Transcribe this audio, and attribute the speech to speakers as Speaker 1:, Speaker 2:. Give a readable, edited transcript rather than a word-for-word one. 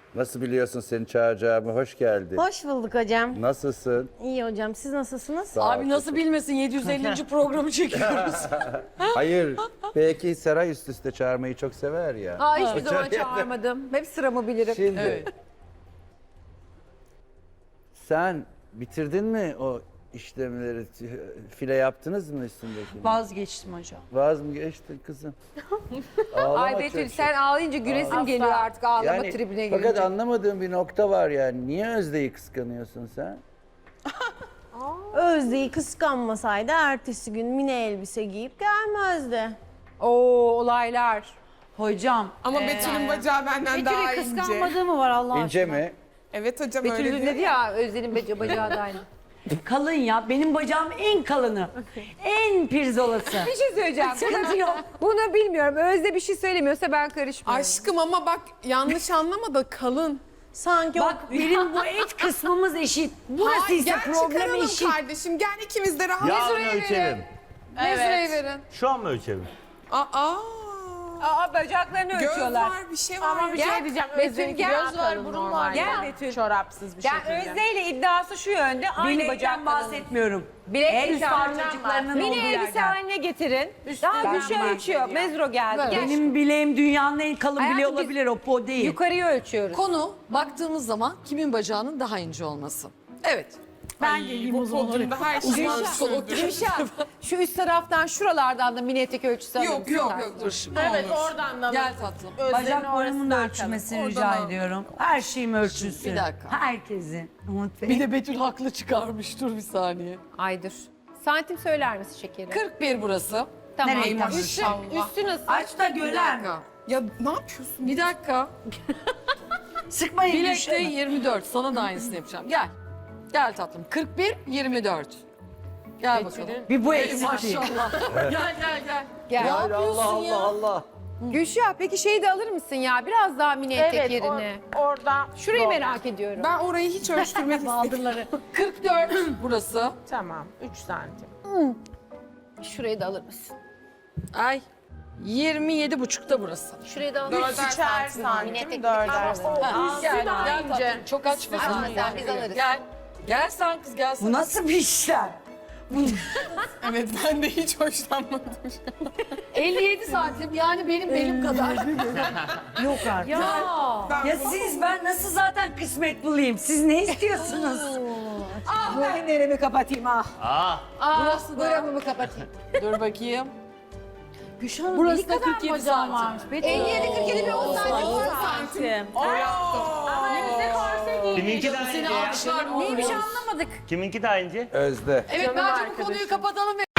Speaker 1: Nasıl biliyorsun seni çağıracağımı? Hoş geldin.
Speaker 2: Hoş bulduk hocam.
Speaker 1: Nasılsın?
Speaker 2: İyi hocam. Siz nasılsınız?
Speaker 1: Sağ ol,
Speaker 3: Abi nasıl bilmesin 750. programı çekiyoruz.
Speaker 1: Hayır. Belki Seray üst üste çağırmayı çok sever ya.
Speaker 4: Aa, hiçbir zaman çağırmadım. Hep sıramı bilirim.
Speaker 1: Şimdi
Speaker 3: Evet.
Speaker 1: sen bitirdin mi o işlemleri? File yaptınız mı üstündeki?
Speaker 3: Vazgeçtim hocam.
Speaker 1: Vaz mı geçtin kızım? Ağlama
Speaker 4: Ay Betül
Speaker 1: çocuğum.
Speaker 4: sen ağlayınca gülesim geliyor artık ağlama tribine
Speaker 1: fakat
Speaker 4: girince.
Speaker 1: anlamadığım bir nokta var yani. Niye Özde'yi kıskanıyorsun sen?
Speaker 2: Özde'yi kıskanmasaydı ertesi gün mini elbise giyip gelmezdi.
Speaker 4: Oo olaylar.
Speaker 3: Hocam.
Speaker 5: Ama Betül'ün bacağı benden daha
Speaker 4: Betül'ü
Speaker 5: ince.
Speaker 4: kıskanmadığı mı var Allah
Speaker 1: İnce
Speaker 4: aşkına?
Speaker 1: mi?
Speaker 5: Evet hocam
Speaker 4: Betül
Speaker 5: öyle
Speaker 4: dedi ya Özden'in bacağı da aynı.
Speaker 3: Kalın ya. Benim bacağım en kalını. En pirzolası.
Speaker 4: Bir şey söyleyeceğim.
Speaker 3: Sıkıntı yok.
Speaker 4: Bunu bilmiyorum. Özde bir şey söylemiyorsa ben karışmıyorum.
Speaker 5: Aşkım ama bak yanlış anlama da kalın.
Speaker 2: Sanki
Speaker 3: Bak benim bu et kısmımız eşit. Burası
Speaker 5: Hayır,
Speaker 3: ise
Speaker 5: gel
Speaker 3: problem
Speaker 5: çıkaralım
Speaker 3: eşit.
Speaker 5: kardeşim. Gel ikimiz de rahat.
Speaker 6: Yarın ölçelim.
Speaker 5: Mezurayı verin.
Speaker 6: Şu an mı ölçelim?
Speaker 5: Aa.
Speaker 4: Aa bacaklarını
Speaker 5: Göz
Speaker 4: ölçüyorlar.
Speaker 5: var bir şey var.
Speaker 4: Ama bir şey diyeceğim. Betül gel.
Speaker 7: Göz var, burun var.
Speaker 4: Gel Betül.
Speaker 7: Çorapsız bir
Speaker 4: Yani
Speaker 7: şekilde.
Speaker 4: Özde ile iddiası şu yönde. Aynı
Speaker 3: Bilekten
Speaker 4: bacaklarını.
Speaker 3: bahsetmiyorum.
Speaker 4: Bilek
Speaker 3: El
Speaker 4: değil,
Speaker 3: parçacıklarının
Speaker 4: Mini
Speaker 3: olduğu
Speaker 4: elbise
Speaker 3: yerden.
Speaker 4: haline getirin. Daha güçlü ölçüyor. Mezro geldi. Gel.
Speaker 3: Benim bileğim dünyanın en kalın
Speaker 4: Hayatım,
Speaker 3: bileği
Speaker 4: biz
Speaker 3: olabilir. O po değil.
Speaker 4: Yukarıya ölçüyoruz.
Speaker 8: Konu baktığımız zaman kimin bacağının daha ince olması. Evet.
Speaker 5: Ben geleyim o zaman. Podyumda her şey var.
Speaker 4: Gülşah, şu üst taraftan şuralardan da mini etek ölçüsü alır
Speaker 5: Yok
Speaker 4: mısın?
Speaker 5: yok yok dur şimdi.
Speaker 7: Evet oradan da.
Speaker 8: Gel tatlım.
Speaker 3: Bacaklarımın da ölçülmesini rica ediyorum. Her şeyim ölçülsün.
Speaker 8: Bir dakika.
Speaker 3: Herkesin. Umut Bey.
Speaker 8: Bir de Betül haklı çıkarmış. Dur bir saniye.
Speaker 4: Ay dur. Santim söyler misin şekerim?
Speaker 8: 41 burası.
Speaker 4: Tamam.
Speaker 3: Nereye
Speaker 4: Üstü,
Speaker 5: maşallah.
Speaker 4: üstü nasıl?
Speaker 3: Aç da
Speaker 8: Bir
Speaker 3: gören.
Speaker 8: dakika.
Speaker 5: Ya ne yapıyorsun?
Speaker 8: Bir dakika.
Speaker 3: Sıkmayın
Speaker 8: Bilekte
Speaker 3: Gülşah'ı.
Speaker 8: 24. Sana da aynısını yapacağım. Gel. Gel tatlım. 41, 24. Gel bakalım.
Speaker 3: Bir bu eksikliği.
Speaker 8: Maşallah. Gel gel gel.
Speaker 4: Gel.
Speaker 8: Ne
Speaker 1: Allah
Speaker 8: yapıyorsun
Speaker 1: Allah
Speaker 8: ya?
Speaker 1: Allah.
Speaker 4: Gülşah peki şeyi de alır mısın ya? Biraz daha mini etek yerine.
Speaker 7: Orada.
Speaker 4: Şurayı merak ediyorum.
Speaker 5: Ben orayı hiç ölçtürmek istedim.
Speaker 8: 44 burası.
Speaker 7: Tamam 3 santim.
Speaker 4: Şurayı da alır mısın?
Speaker 8: Ay. 27,5'ta burası.
Speaker 4: Şurayı da alır mısın?
Speaker 7: Üçer santim, dörder santim.
Speaker 8: Gel, gel tatlım. Çok açma
Speaker 4: Açma
Speaker 8: sen.
Speaker 4: sen, biz alırız.
Speaker 8: Gel. Gel sen kız gel sen.
Speaker 3: Bu nasıl bir işlem?
Speaker 5: Evet ben de hiç hoşlanmadım.
Speaker 8: 57 santim yani benim belim kadar.
Speaker 3: Yok artık.
Speaker 8: Ya.
Speaker 3: Ya siz ben nasıl zaten kısmet bulayım? Siz ne istiyorsunuz? Ben neremi kapatayım ah.
Speaker 8: Burası da.
Speaker 4: Buramı kapatayım.
Speaker 8: Dur bakayım.
Speaker 3: Gülşah'ın
Speaker 8: Burası da 47 santim.
Speaker 4: 57 47 bir 10 santim. 10
Speaker 7: Santim.
Speaker 6: Kiminki daha
Speaker 8: Seni
Speaker 6: ince ya?
Speaker 8: alkışlar.
Speaker 4: Neymiş anlamadık.
Speaker 6: Kiminki daha ince?
Speaker 1: Özde.
Speaker 8: Evet bence bu konuyu kapatalım ve